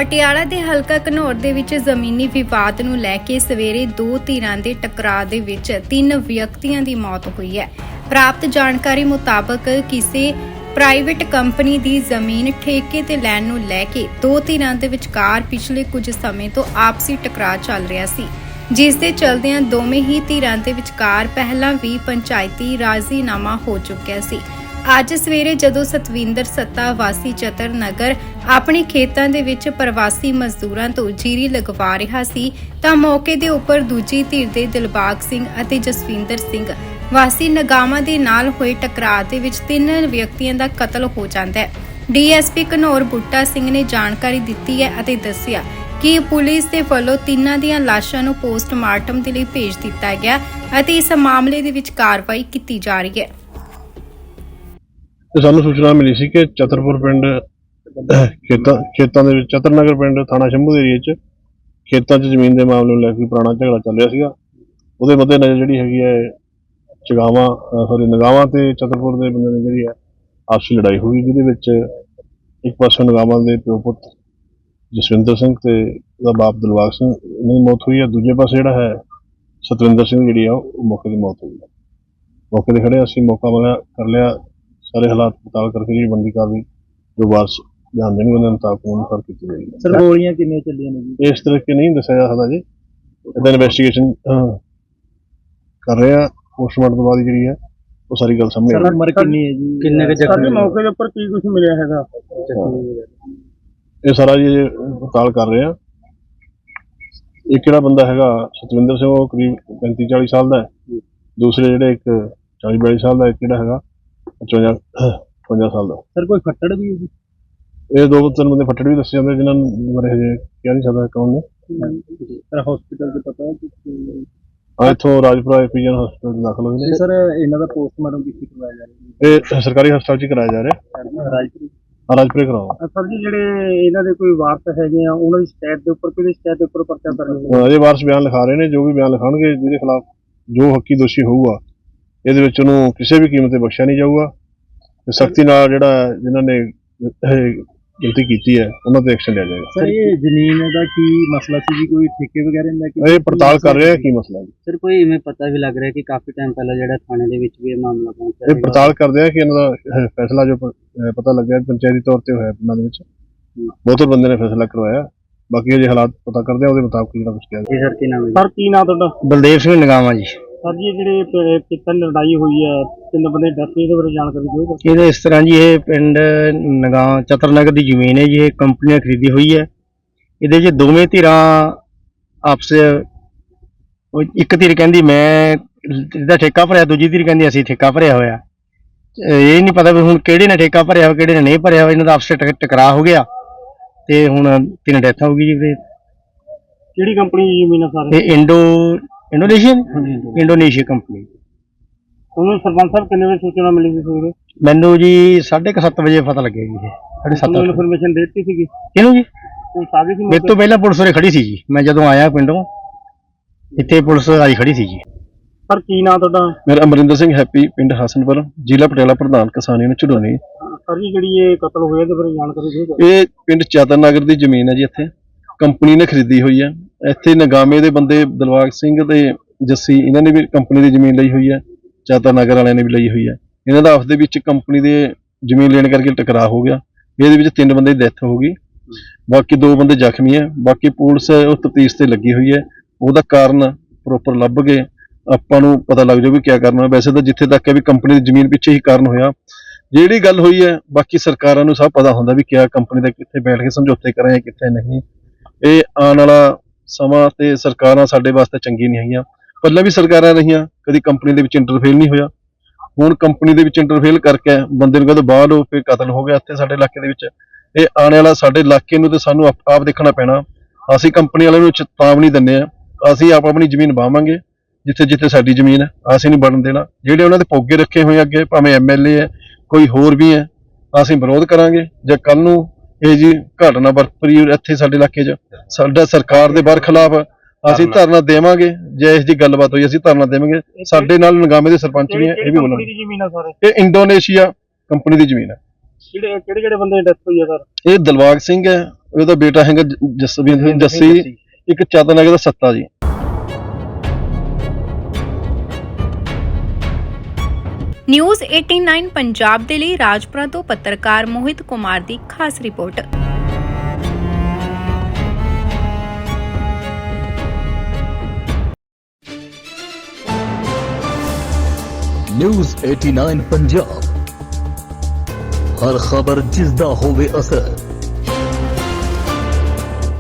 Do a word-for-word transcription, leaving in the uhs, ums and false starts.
ਪਟਿਆਲਾ ਦੇ ਹਲਕਾ ਘਨੌਰ ਦੇ ਵਿੱਚ ਜ਼ਮੀਨੀ ਵਿਵਾਦ ਨੂੰ ਲੈ ਕੇ ਸਵੇਰੇ ਦੋ ਧਿਰਾਂ ਦੇ ਟਕਰਾਅ ਦੇ ਵਿੱਚ ਤਿੰਨ ਵਿਅਕਤੀਆਂ ਦੀ ਮੌਤ ਹੋਈ ਹੈ। ਪ੍ਰਾਪਤ ਜਾਣਕਾਰੀ ਮੁਤਾਬਕ ਕਿਸੇ ਪ੍ਰਾਈਵੇਟ ਕੰਪਨੀ ਦੀ ਜ਼ਮੀਨ ਠੇਕੇ ਤੇ ਲੈਣ ਨੂੰ ਲੈ ਕੇ ਦੋ ਧਿਰਾਂ ਦੇ ਵਿਚਕਾਰ ਪਿਛਲੇ ਕੁਝ ਸਮੇਂ ਤੋਂ ਆਪਸੀ ਟਕਰਾਅ ਚੱਲ ਰਿਹਾ ਸੀ, ਜਿਸ ਦੇ ਚਲਦਿਆਂ ਦੋਵੇਂ ਹੀ ਧਿਰਾਂ ਦੇ ਵਿਚਕਾਰ ਪਹਿਲਾਂ ਵੀ ਪੰਚਾਇਤੀ ਰਾਜ਼ੀਨਾਮਾ ਹੋ ਚੁੱਕਿਆ ਸੀ। ਅੱਜ ਸਵੇਰੇ ਜਦੋਂ ਸਤਵਿੰਦਰ ਸੱਤਾ ਵਾਸੀ ਚਤਰ ਨਗਰ ਆਪਣੇ ਖੇਤਾਂ ਦੇ ਵਿੱਚ ਪ੍ਰਵਾਸੀ ਮਜ਼ਦੂਰਾਂ ਤੋਂ ਜੀਰੀ ਲਗਵਾ ਰਿਹਾ ਸੀ ਤਾਂ ਮੌਕੇ ਦੇ ਉੱਪਰ ਦੂਜੀ ਧਿਰ ਦੇ ਦਿਲਬਾਗ ਸਿੰਘ ਅਤੇ ਜਸਵਿੰਦਰ ਸਿੰਘ ਵਾਸੀ ਨਗਾਵਾਂ ਦੇ ਨਾਲ ਹੋਏ ਟਕਰਾਅ ਦੇ ਵਿੱਚ ਤਿੰਨ ਵਿਅਕਤੀਆਂ ਦਾ ਕਤਲ ਹੋ ਜਾਂਦਾ ਹੈ। ਡੀਐਸਪੀ ਘਨੌਰ ਬੂਟਾ ਸਿੰਘ ਨੇ ਜਾਣਕਾਰੀ ਦਿੱਤੀ ਹੈ ਅਤੇ ਦੱਸਿਆ ਕਿ ਪੁਲਿਸ ਦੇ ਵੱਲੋਂ ਤਿੰਨਾਂ ਦੀਆਂ ਲਾਸ਼ਾਂ ਨੂੰ ਪੋਸਟਮਾਰਟਮ ਦੇ ਲਈ ਭੇਜ ਦਿੱਤਾ ਗਿਆ ਅਤੇ ਇਸ ਮਾਮਲੇ ਦੇ ਵਿੱਚ ਕਾਰਵਾਈ ਕੀਤੀ ਜਾ ਰਹੀ ਹੈ। ਸਾਨੂੰ ਸੂਚਨਾ ਮਿਲੀ ਸੀ ਕਿ ਚਤਰਪੁਰ ਪਿੰਡ ਖੇਤਾਂ ਖੇਤਾਂ ਦੇ ਵਿੱਚ ਚਤਰਨਗਰ ਪਿੰਡ ਥਾਣਾ ਸ਼ੰਭੂ ਦੇ ਏਰੀਏ 'ਚ ਖੇਤਾਂ 'ਚ ਜ਼ਮੀਨ ਦੇ ਮਾਮਲੇ ਨੂੰ ਲੈ ਕੇ ਪੁਰਾਣਾ ਝਗੜਾ ਚੱਲ ਰਿਹਾ ਸੀਗਾ। ਉਹਦੇ ਮੱਦੇ ਨਜ਼ਰ ਜਿਹੜੀ ਹੈਗੀ ਹੈ ਚਗਾਵਾਂ ਸੌਰੀ ਨਗਾਵਾਂ ਤੇ ਚਤਰਪੁਰ ਦੇ ਬੰਦੇ ਦੀ ਜਿਹੜੀ ਹੈ ਆਪਸੀ ਲੜਾਈ ਹੋਈ, ਜਿਹਦੇ ਵਿੱਚ ਇੱਕ ਪਾਸੇ ਨਗਾਵਾਂ ਦੇ ਪਿਓ ਪੁੱਤ ਜਸਵਿੰਦਰ ਸਿੰਘ ਤੇ ਉਹਦਾ ਬਾਪ ਦਿਲਬਾਗ ਸਿੰਘ ਦੀ ਮੌਤ ਹੋਈ ਹੈ। ਦੂਜੇ ਪਾਸੇ ਜਿਹੜਾ ਹੈ ਸਤਵਿੰਦਰ ਸਿੰਘ ਜਿਹੜੀ ਆ ਉਹ ਮੌਕੇ ਦੀ ਮੌਤ ਹੋਈ ਹੈ। ਮੌਕੇ ਤੇ ਖੜੇ ਅਸੀਂ ਮੌਕਾ ਮਿਲਿਆ ਕਰ ਲਿਆ, ਸਾਰੇ ਹਾਲਾਤ ਮੁਤਾਬਕ ਕਰਕੇ ਜਿਹੜੀ ਬੰਦੀ ਕਾਰਵਾਈ ਜੋ ਵਾਰਸ ਜਾਣਦੇ ਨੇ ਉਹਨਾਂ ਮੁਤਾਬਕ ਅਨੁਸਾਰ ਕੀਤੀ ਜਾਏਗੀ। ਸਰ ਗੋਲੀਆਂ ਕਿੰਨੀਆਂ ਚੱਲੀਆਂ ਨੇ ਜੀ? ਇਸ ਤਰੀਕੇ ਨਹੀਂ ਦੱਸਿਆ ਜਾ ਸਕਦਾ ਜੀ, ਇਹਦਾ ਇਨਵੈਸਟੀਗੇਸ਼ਨ ਕਰ ਰਹੇ ਆ। ਪੋਸਟਮਾਰਟਮ ਤੋਂ ਬਾਅਦ ਜਿਹੜੀ ਹੈ ਉਹ ਸਾਰੀ ਗੱਲ ਸਾਹਮਣੇ ਆਏਗੀ। ਉਮਰ ਕਿੰਨੀ ਹੈ ਜੀ? ਕਿੰਨੇ ਕੁ ਜ਼ਖਮੀ? ਮੌਕੇ ਦੇ ਉੱਪਰ ਕੀ ਕੁਝ ਮਿਲਿਆ ਹੈਗਾ? ਇਹ ਸਾਰਾ ਜੀ ਪੜਤਾਲ ਕਰ ਰਹੇ ਆ। ਇੱਕ ਜਿਹੜਾ ਬੰਦਾ ਹੈਗਾ ਸਤਵਿੰਦਰ ਸਿੰਘ ਉਹ ਕਰੀਬ ਪੈਂਤੀ ਚਾਲੀ ਸਾਲ ਦਾ ਹੈ, ਦੂਸਰੇ ਜਿਹੜੇ ਇੱਕ ਚਾਲੀ ਬਿਆਲੀ ਸਾਲ ਦਾ, ਇੱਕ ਜਿਹੜਾ ਹੈਗਾ ਪਚਵੰਜਾ ਪਚਵੰਜਾ ਸਾਲ ਦਾ। ਸਰ ਕੋਈ ਫੱਟੜ ਵੀ ਹੈ ਜੀ? ਇਹ ਦੋ ਤਿੰਨ ਬੰਦੇ ਫੱਟੜ ਵੀ ਦੱਸੇ ਜਾਂਦੇ, ਜਿਨ੍ਹਾਂ ਬਾਰੇ ਹਜੇ ਕਿਹਾ ਨਹੀਂ ਸਕਦਾ ਕੌਣ ਨੇ। ਸਰ ਹਸਪੀਟਲ ਦੇ ਪਤਾ ਹੈ? ਹਾਂ, ਇੱਥੋਂ ਰਾਜਪੁਰਾ ਐਪੀਜਨ ਹਸਪਤਾਲ ਦਾਖਲ ਹੋਏ ਨੇ। ਸਰ ਇਹਨਾਂ ਦਾ ਪੋਸਟਮਾਰਟਮ ਕਿੱਥੇ ਕਰਵਾਇਆ ਜਾ ਰਿਹਾ ਹੈ? ਇਹ ਸਰਕਾਰੀ ਹਸਪਤਾਲ 'ਚ ਹੀ ਕਰਾਇਆ ਜਾ ਰਿਹਾ। ਰਾਜਪੁਰ ਹਾਂ, ਰਾਜਪੁਰੇ ਕਰਾਓ। ਸਰ ਜੀ ਜਿਹੜੇ ਇਹਨਾਂ ਦੇ ਕੋਈ ਵਾਰਸ ਹੈਗੇ ਆ ਉਹਨਾਂ ਦੀ ਸ਼ਿਕਾਇਤ ਦੇ ਉੱਪਰ ਕਿਹਦੀ ਸ਼ਿਕਾਇਤ ਦੇ ਉੱਪਰ ਪਰਚਾ ਦਰਜ ਹੋਇਆ? ਅਜੇ ਵਾਰਸ ਬਿਆਨ ਲਿਖਾ ਰਹੇ ਨੇ, ਜੋ ਵੀ ਬਿਆਨ ਲਿਖਾਉਣਗੇ ਜਿਹਦੇ ਖਿਲਾਫ ਜੋ ਹੱਕੀ ਦੋਸ਼ੀ ਹੋਊਗਾ ਇਹਦੇ ਵਿੱਚ ਉਹਨੂੰ ਕਿਸੇ ਵੀ ਕੀਮਤ ਤੇ ਬਖਸ਼ਿਆ ਨਹੀਂ ਜਾਊਗਾ ਤੇ ਸਖਤੀ ਨਾਲ ਜਿਹੜਾ ਜਿਨ੍ਹਾਂ ਨੇ ਗਲਤੀ ਕੀਤੀ ਹੈ ਉਹਨਾਂ ਤੇ ਐਕਸ਼ਨ ਲਿਆ ਜਾਏਗਾ। ਸਰ ਇਹ ਜ਼ਮੀਨ ਦਾ ਕੀ ਮਸਲਾ ਸੀ ਜੀ? ਕੋਈ ਠੇਕੇ ਵਗੈਰਾ ਦਾ ਕੀ? ਇਹ ਪੜਤਾਲ ਕਰ ਰਹੇ ਆ ਕੀ ਮਸਲਾ ਹੈ। ਸਰ ਕੋਈ ਇਵੇਂ ਪਤਾ ਵੀ ਲੱਗ ਰਿਹਾ ਕਿ ਕਾਫੀ ਟਾਈਮ ਪਹਿਲਾਂ ਜਿਹੜਾ ਥਾਣੇ ਦੇ ਵਿੱਚ ਵੀ ਇਹ ਮਾਮਲਾ ਪਹੁੰਚਿਆ ਇਹ ਪੜਤਾਲ ਕਰਦੇ ਆ ਕਿ ਇਹਨਾਂ ਦਾ ਫੈਸਲਾ ਜੋ ਪਤਾ ਲੱਗਿਆ ਪੰਚਾਇਤੀ ਤੌਰ ਤੇ ਹੋਇਆ ਪਿੰਡਾਂ ਦੇ ਵਿੱਚ ਬਹੁਤ ਬੰਦੇ ਨੇ ਫੈਸਲਾ ਕਰਵਾਇਆ। ਬਾਕੀ ਜੇ ਹਾਲਾਤ ਪਤਾ ਕਰਦੇ ਆ ਉਹਦੇ ਮੁਤਾਬਕ ਜਿਹੜਾ ਕੁਝ ਕਿਹਾ ਜੀ। ਸਰ ਕੀ ਨਾਮ ਹੈ? ਸਰ ਕੀ ਨਾਮ ਤੁਹਾਡਾ? ਬਲਦੇਵ ਸਿੰਘ ਨਗਾਵਾਂ ਜੀ। ਸਰ ਜੀ ਜਿਹੜੇ ਪਿੱਤਲ ਲੜਾਈ ਹੋਈ ਹੈ ਤਿੰਨ ਬੰਦੇ ਡੈਥ, ਇਹਦੇ ਬਾਰੇ ਜਾਣਕਾਰੀ ਦਿਓ। ਇਹਦੇ ਇਸ ਤਰ੍ਹਾਂ ਜੀ, ਇਹ ਪਿੰਡ ਨਗਾ ਚਤਰਨਗਰ ਦੀ ਜ਼ਮੀਨ ਹੈ ਜੀ, ਇਹ ਕੰਪਨੀ ਨੇ ਖਰੀਦੀ ਹੋਈ ਹੈ। ਇਹਦੇ 'ਚ ਦੋਵੇਂ ਧਿਰਾਂ ਆਪਸ ਇੱਕ ਧਿਰ ਕਹਿੰਦੀ ਮੈਂ ਇਹਦਾ ਠੇਕਾ ਭਰਿਆ, ਦੂਜੀ ਧਿਰ ਕਹਿੰਦੀ ਅਸੀਂ ਠੇਕਾ ਭਰਿਆ ਹੋਇਆ। ਇਹ ਨਹੀਂ ਪਤਾ ਵੀ ਹੁਣ ਕਿਹੜੇ ਨੇ ਠੇਕਾ ਭਰਿਆ ਹੋਇਆ ਕਿਹੜੇ ਨੇ ਨਹੀਂ ਭਰਿਆ ਹੋਇਆ। ਇਹਨਾਂ ਦਾ ਆਪਸ ਵਿੱਚ ਟਕਰਾਅ ਹੋ ਗਿਆ ਤੇ ਹੁਣ ਤਿੰਨ ਡੈਥ ਹੋ ਗਈ ਜੀ। ਫਿਰ ਕਿਹੜੀ ਕੰਪਨੀ ਦੀ ਜ਼ਮੀਨ ਹੈ ਸਰ? ਇਹ ਇੰਡੋ ਇੰਡੋਨੇਸ਼ੀਅਨ ਇੰਡੋਨੇਸ਼ੀਆ ਕੰਪਨੀ। ਤੁਹਾਨੂੰ ਸਰਪੰਚ ਸਾਹਿਬ ਕਿੰਨੇ ਵਜੇ ਸੂਚਨਾ ਮਿਲੀ ਸੀ ਸਵੇਰੇ? ਮੈਨੂੰ ਜੀ ਸਾਢੇ ਕੁ ਸੱਤ ਵਜੇ ਪਤਾ ਲੱਗਿਆ ਜੀ। ਸਾਢੇ ਸੱਤ ਇਨਫੋਰਮੇਸ਼ਨ ਦੇ ਦਿੱਤੀ ਸੀਗੀ ਇਹਨੂੰ ਜੀ? ਪੁਲਿਸ ਆ ਗਈ ਸੀ? ਮੇਰੇ ਤੋਂ ਪਹਿਲਾਂ ਪੁਲਿਸ ਉਰੇ ਖੜੀ ਸੀ ਜੀ। ਮੈਂ ਜਦੋਂ ਆਇਆ ਪਿੰਡੋਂ ਇੱਥੇ ਪੁਲਿਸ ਆਈ ਖੜੀ ਸੀ ਜੀ। ਸਰ ਕੀ ਨਾਮ ਤੁਹਾਡਾ? ਮੇਰਾ ਅਮਰਿੰਦਰ ਸਿੰਘ ਹੈਪੀ, ਪਿੰਡ ਹਸਨਪੁਰ, ਜ਼ਿਲ੍ਹਾ ਪਟਿਆਲਾ, ਪ੍ਰਧਾਨ ਕਿਸਾਨੀ ਨੂੰ ਝੁਡੋਨੀ। ਸਰ ਜੀ ਜਿਹੜੀ ਇਹ ਕਤਲ ਹੋਇਆ ਇਹਦੇ ਬਾਰੇ ਜਾਣਕਾਰੀ ਦਿਓ। ਇਹ ਪਿੰਡ ਚਤਰਨਗਰ ਦੀ ਜ਼ਮੀਨ ਹੈ ਜੀ, ਇੱਥੇ ਕੰਪਨੀ ਨੇ ਖਰੀਦੀ ਹੋਈ ਹੈ। ਇੱਥੇ ਨਗਾਮੇ ਦੇ ਬੰਦੇ ਦਿਲਬਾਗ ਸਿੰਘ ਤੇ ਜੱਸੀ ਇਹਨਾਂ ਨੇ ਵੀ ਕੰਪਨੀ ਦੀ ਜ਼ਮੀਨ ਲਈ ਹੋਈ ਹੈ, ਚਤਰਨਗਰ ਵਾਲਿਆਂ ਨੇ ਵੀ ਲਈ ਹੋਈ ਹੈ। ਇਹਨਾਂ ਦਾ ਆਪਸ ਦੇ ਵਿੱਚ ਕੰਪਨੀ ਦੇ ਜ਼ਮੀਨ ਲੈਣ ਕਰਕੇ ਟਕਰਾਅ ਹੋ ਗਿਆ। ਇਹਦੇ ਵਿੱਚ ਤਿੰਨ ਬੰਦੇ ਦੀ ਡੈਥ ਹੋ ਗਈ, ਬਾਕੀ ਦੋ ਬੰਦੇ ਜ਼ਖਮੀ ਹੈ। ਬਾਕੀ ਪੁਲਿਸ ਉਹ ਤਫਤੀਸ਼ ਤੇ ਲੱਗੀ ਹੋਈ ਹੈ, ਉਹਦਾ ਕਾਰਨ ਪ੍ਰੋਪਰ ਲੱਭ ਕੇ ਆਪਾਂ ਨੂੰ ਪਤਾ ਲੱਗ ਜਾਊ ਵੀ ਕੀ ਕਰਨਾ। ਵੈਸੇ ਤਾਂ ਜਿੱਥੇ ਤੱਕ ਹੈ ਵੀ ਕੰਪਨੀ ਦੀ ਜ਼ਮੀਨ ਪਿੱਛੇ ਹੀ ਕਾਰਨ ਹੋਇਆ। ਜਿਹੜੀ ਗੱਲ ਹੋਈ ਹੈ ਬਾਕੀ ਸਰਕਾਰਾਂ ਨੂੰ ਸਭ ਪਤਾ ਹੁੰਦਾ ਵੀ ਕਿਆ ਕੰਪਨੀ ਦਾ ਕਿੱਥੇ ਬੈਠ ਕੇ ਸਮਝੌਤੇ ਕਰਾਂ ਕਿੱਥੇ ਨਹੀਂ। ਇਹ ਆਉਣ ਵਾਲਾ ਸਮਾਂ ਤੇ ਸਰਕਾਰਾਂ ਸਾਡੇ ਵਾਸਤੇ ਚੰਗੀ ਨਹੀਂ ਹੈਗੀਆਂ। ਪਹਿਲਾਂ ਵੀ ਸਰਕਾਰਾਂ ਰਹੀਆਂ, ਕਦੀ ਕੰਪਨੀ ਦੇ ਵਿੱਚ ਇੰਟਰਫੇਲ ਨਹੀਂ ਹੋਇਆ। ਹੁਣ ਕੰਪਨੀ ਦੇ ਵਿੱਚ ਇੰਟਰਫੇਲ ਕਰਕੇ ਬੰਦੇ ਨੂੰ ਕਹਿੰਦੇ ਬਾਹਰ ਹੋ, ਫਿਰ ਕਤਲ ਹੋ ਗਿਆ ਇੱਥੇ ਸਾਡੇ ਇਲਾਕੇ ਦੇ ਵਿੱਚ। ਇਹ ਆਉਣ ਵਾਲਾ ਸਾਡੇ ਇਲਾਕੇ ਨੂੰ ਤੇ ਸਾਨੂੰ ਆਪ ਦੇਖਣਾ ਪੈਣਾ। ਅਸੀਂ ਕੰਪਨੀ ਵਾਲਿਆਂ ਨੂੰ ਚੇਤਾਵਨੀ ਦਿੰਦੇ ਹਾਂ, ਅਸੀਂ ਆਪ ਆਪਣੀ ਜ਼ਮੀਨ ਵਾਵਾਂਗੇ ਜਿੱਥੇ ਜਿੱਥੇ ਸਾਡੀ ਜ਼ਮੀਨ ਹੈ, ਅਸੀਂ ਨਹੀਂ ਬਣਨ ਦੇਣਾ। ਜਿਹੜੇ ਉਹਨਾਂ ਦੇ ਪੋਗੇ ਰੱਖੇ ਹੋਏ ਅੱਗੇ, ਭਾਵੇਂ ਐਮ ਐਲ ਏ ਹੈ ਕੋਈ ਹੋਰ ਵੀ ਹੈ, ਅਸੀਂ ਵਿਰੋਧ ਕਰਾਂਗੇ। ਜੇ ਕੱਲ ਨੂੰ ਇਹ ਜੀ ਘਟਨਾ ਵਾਪਰੀ ਇੱਥੇ ਸਾਡੇ ਇਲਾਕੇ 'ਚ, ਸਾਡਾ ਸਰਕਾਰ ਦੇ ਬਰਖਿਲਾਫ ਅਸੀਂ ਧਰਨਾ ਦੇਵਾਂਗੇ। ਜੇ ਇਸ ਦੀ ਗੱਲਬਾਤ ਹੋਈ ਅਸੀਂ ਧਰਨਾ ਦੇਵਾਂਗੇ। ਸਾਡੇ ਨਾਲ ਨਗਾਮੇ ਦੇ ਸਰਪੰਚ ਵੀ ਹੈ, ਇਹ ਵੀ ਬੋਲਣਗੇ। ਇਹ ਇੰਡੋਨੇਸ਼ੀਆ ਕੰਪਨੀ ਦੀ ਜ਼ਮੀਨ ਹੈ। ਕਿਹੜੇ ਕਿਹੜੇ ਕਿਹੜੇ ਬੰਦੇ ਦੀ ਡੈਥ ਹੋਈ ਹੈ ਸਰ? ਇਹ ਦਿਲਬਾਗ ਸਿੰਘ ਹੈ, ਉਹਦਾ ਬੇਟਾ ਹੈਗਾ ਜ- ਜਸਵਿੰਦਰ ਸਿੰਘ ਜੱਸੀ, ਇੱਕ ਚਤਨਗਰ ਦਾ ਸੱਤਾ ਜੀ। ਨਿਊਜ਼ ਨਵਾਂ ਪੰਜਾਬ ਦੇ ਲਈ ਰਾਜਪੁਰਾ ਤੋਂ ਪੱਤਰਕਾਰ ਮੋਹਿਤ ਕੁਮਾਰ ਦੀ ਖਾਸ ਰਿਪੋਰਟ। ਨਿਊਜ਼ ਨਵਾਂ ਪੰਜਾਬ, ਹਰ ਖਬਰ ਜਿਸ ਦਾ ਹੋਵੇ ਅਸਰ।